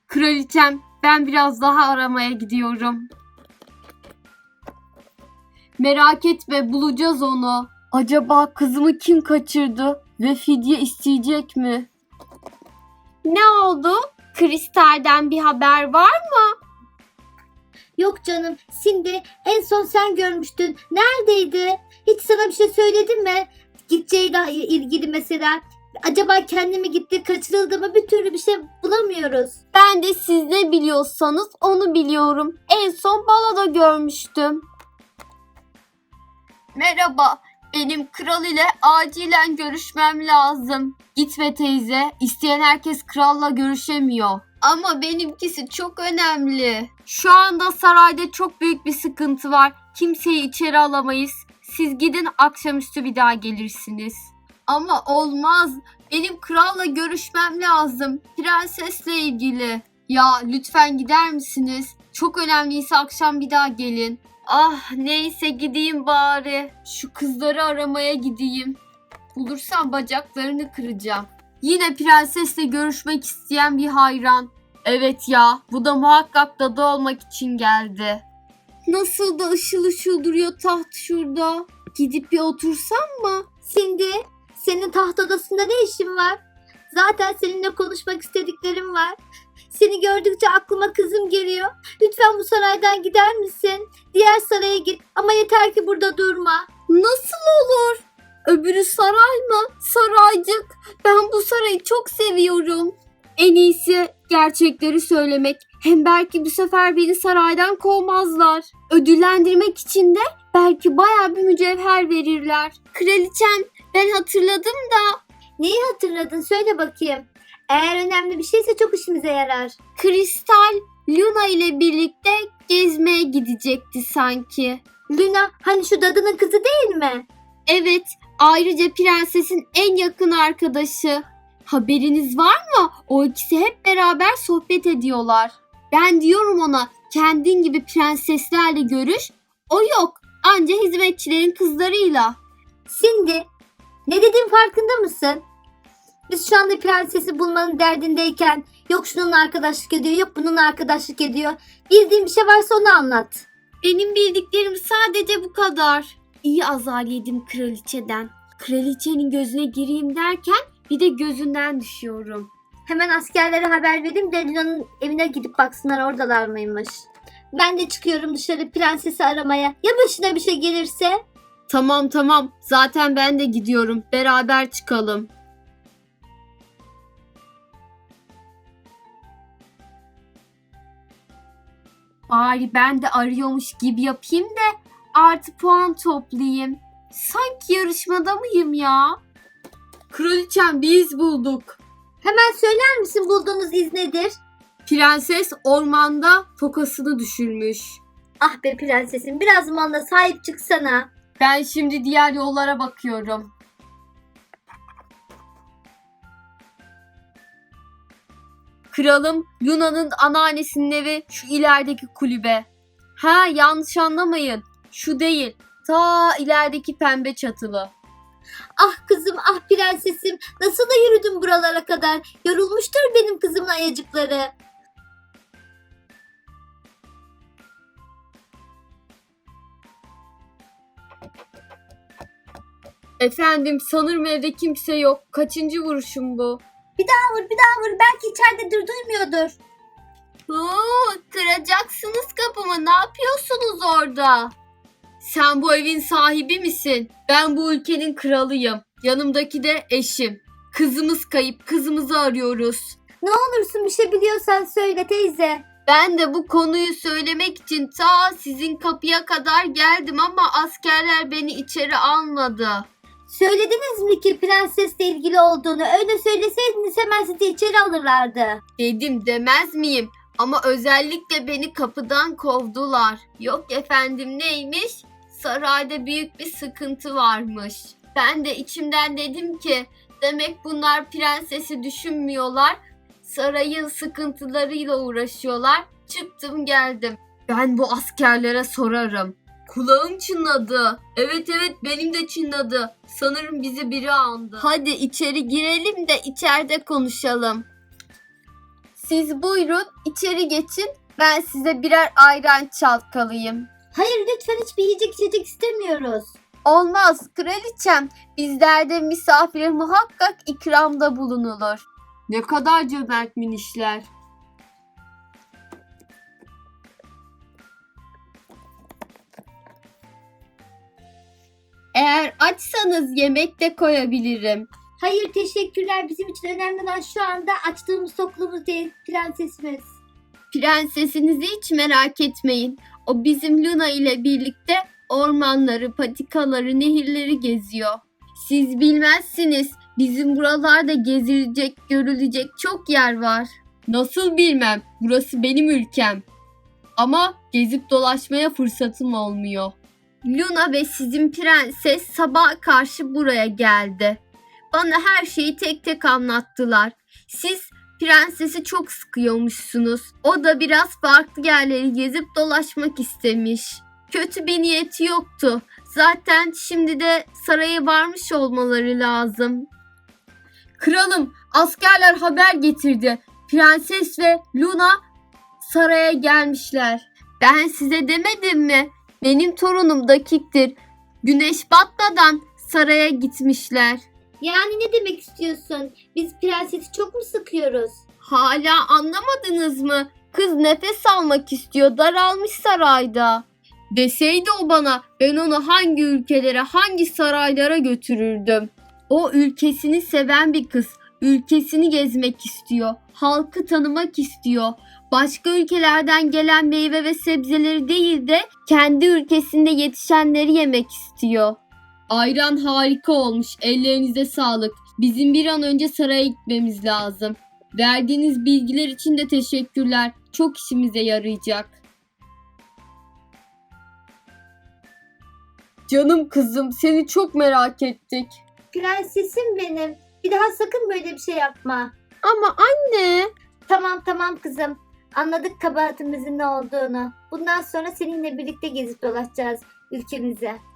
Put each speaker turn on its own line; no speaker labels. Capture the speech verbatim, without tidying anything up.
Kraliçem, ben biraz daha aramaya gidiyorum. Merak etme, bulacağız onu. Acaba kızımı kim kaçırdı ve fidye isteyecek mi? Ne oldu? Kristal'den bir haber var mı?
Yok canım, Cindy en son sen görmüştün. Neredeydi? Hiç sana bir şey söyledi mi? Gideceğiyle ilgili mesela. Acaba kendi mi gitti, kaçırıldı mı? Bir türlü bir şey bulamıyoruz.
Ben de siz ne biliyorsanız onu biliyorum. En son baloda görmüştüm. Merhaba, benim kral ile acilen görüşmem lazım. Gitme teyze, isteyen herkes kralla görüşemiyor. Ama benimkisi çok önemli. Şu anda sarayda çok büyük bir sıkıntı var. Kimseyi içeri alamayız. Siz gidin, akşamüstü bir daha gelirsiniz. Ama olmaz. Benim kralla görüşmem lazım. Prensesle ilgili. Ya lütfen gider misiniz? Çok önemliyse akşam bir daha gelin. Ah neyse gideyim bari. Şu kızları aramaya gideyim. Bulursam bacaklarını kıracağım. Yine prensesle görüşmek isteyen bir hayran. Evet ya, bu da muhakkak dadı olmak için geldi. Nasıl da ışıl ışıl duruyor taht şurada. Gidip bir otursam mı?
Cindy, senin taht odasında ne işin var? Zaten seninle konuşmak istediklerim var. Seni gördükçe aklıma kızım geliyor. Lütfen bu saraydan gider misin? Diğer saraya git ama yeter ki burada durma.
Nasıl olur? Öbürü saray mı? Saraycık. Ben bu sarayı çok seviyorum. En iyisi gerçekleri söylemek. Hem belki bu sefer beni saraydan kovmazlar. Ödüllendirmek için de belki bayağı bir mücevher verirler. Kraliçem, ben hatırladım da.
Neyi hatırladın? Söyle bakayım. Eğer önemli bir şeyse çok işimize yarar.
Kristal Luna ile birlikte gezmeye gidecekti sanki.
Luna hani şu dadının kızı değil mi?
Evet, ayrıca prensesin en yakın arkadaşı. Haberiniz var mı? O ikisi hep beraber sohbet ediyorlar. Ben diyorum ona, kendin gibi prenseslerle görüş. O yok, anca hizmetçilerin kızlarıyla.
Cindy, ne dediğin farkında mısın? Biz şu anda prensesi bulmanın derdindeyken yok şunun arkadaşlık ediyor, yok bunun arkadaşlık ediyor. Bildiğin bir şey varsa onu anlat.
Benim bildiklerim sadece bu kadar. İyi azar yedim kraliçeden. Kraliçenin gözüne gireyim derken bir de gözünden düşüyorum.
Hemen askerlere haber vereyim de Luna'nın evine gidip baksınlar oradalar mıymış. Ben de çıkıyorum dışarı prensesi aramaya. Ya başına bir şey gelirse?
Tamam tamam, zaten ben de gidiyorum. Beraber çıkalım. Bari ben de arıyormuş gibi yapayım da artı puan toplayayım. Sanki yarışmada mıyım ya? Kraliçem, bir iz bulduk.
Hemen söyler misin bulduğunuz iz nedir?
Prenses ormanda tokasını düşürmüş.
Ah be prensesim biraz zamanda sahip çıksana.
Ben şimdi diğer yollara bakıyorum. Kralım, Luna'nın anneannesinin evi şu ilerideki kulübe. Ha, yanlış anlamayın. Şu değil. Ta ilerideki pembe çatılı.
Ah kızım ah prensesim nasıl da yürüdün buralara kadar. Yorulmuştur benim kızımın ayacıkları.
Efendim, sanırım evde kimse yok. Kaçıncı vuruşum bu?
Bir daha vur bir daha vur belki içeridedir duymuyordur.
Oo, kıracaksınız kapımı. Ne yapıyorsunuz orada? Sen bu evin sahibi misin? Ben bu ülkenin kralıyım. Yanımdaki de eşim. Kızımız kayıp. Kızımızı arıyoruz.
Ne olursun bir şey biliyorsan söyle teyze.
Ben de bu konuyu söylemek için ta sizin kapıya kadar geldim ama askerler beni içeri almadı.
Söylediniz mi ki prensesle ilgili olduğunu? Öyle söyleseydiniz hemen sizi içeri alırlardı.
Dedim demez miyim? Ama özellikle beni kapıdan kovdular. Yok efendim, neymiş? Sarayda büyük bir sıkıntı varmış. Ben de içimden dedim ki demek bunlar prensesi düşünmüyorlar. Sarayın sıkıntılarıyla uğraşıyorlar. Çıktım geldim. Ben bu askerlere sorarım. Kulağım çınladı. Evet evet, benim de çınladı. Sanırım bizi biri andı. Hadi içeri girelim de içeride konuşalım. Siz buyurun içeri geçin. Ben size birer ayran çalkalayayım.
Hayır lütfen hiçbir yiyecek içecek istemiyoruz.
Olmaz kraliçem. Bizlerde misafire muhakkak ikramda bulunulur. Ne kadar cömert minişler. Eğer açsanız yemek de koyabilirim.
Hayır teşekkürler, bizim için önemli olan şu anda açtığımız toklumuz değil prensesimiz.
Prensesinizi hiç merak etmeyin. O bizim Luna ile birlikte ormanları, patikaları, nehirleri geziyor. Siz bilmezsiniz. Bizim buralarda gezilecek, görülecek çok yer var. Nasıl bilmem? Burası benim ülkem. Ama gezip dolaşmaya fırsatım olmuyor. Luna ve sizin prenses sabah karşı buraya geldi. Bana her şeyi tek tek anlattılar. Siz prensesi çok sıkıyormuşsunuz. O da biraz farklı yerleri gezip dolaşmak istemiş. Kötü bir niyeti yoktu. Zaten şimdi de saraya varmış olmaları lazım. Kralım, askerler haber getirdi. Prenses ve Luna saraya gelmişler. Ben size demedim mi? Benim torunum dakiktir. Güneş batmadan saraya gitmişler.
Yani ne demek istiyorsun? Biz prensesi çok mu sıkıyoruz?
Hala anlamadınız mı? Kız nefes almak istiyor, daralmış sarayda. Deseydi o bana, ben onu hangi ülkelere, hangi saraylara götürürdüm. O ülkesini seven bir kız. Ülkesini gezmek istiyor. Halkı tanımak istiyor. Başka ülkelerden gelen meyve ve sebzeleri değil de kendi ülkesinde yetişenleri yemek istiyor. Ayran harika olmuş. Ellerinize sağlık. Bizim bir an önce saraya gitmemiz lazım. Verdiğiniz bilgiler için de teşekkürler. Çok işimize yarayacak. Canım kızım, seni çok merak ettik.
Prensesim benim. Bir daha sakın böyle bir şey yapma.
Ama anne.
Tamam tamam kızım. Anladık kabahatimizin ne olduğunu. Bundan sonra seninle birlikte gezip dolaşacağız ülkemize.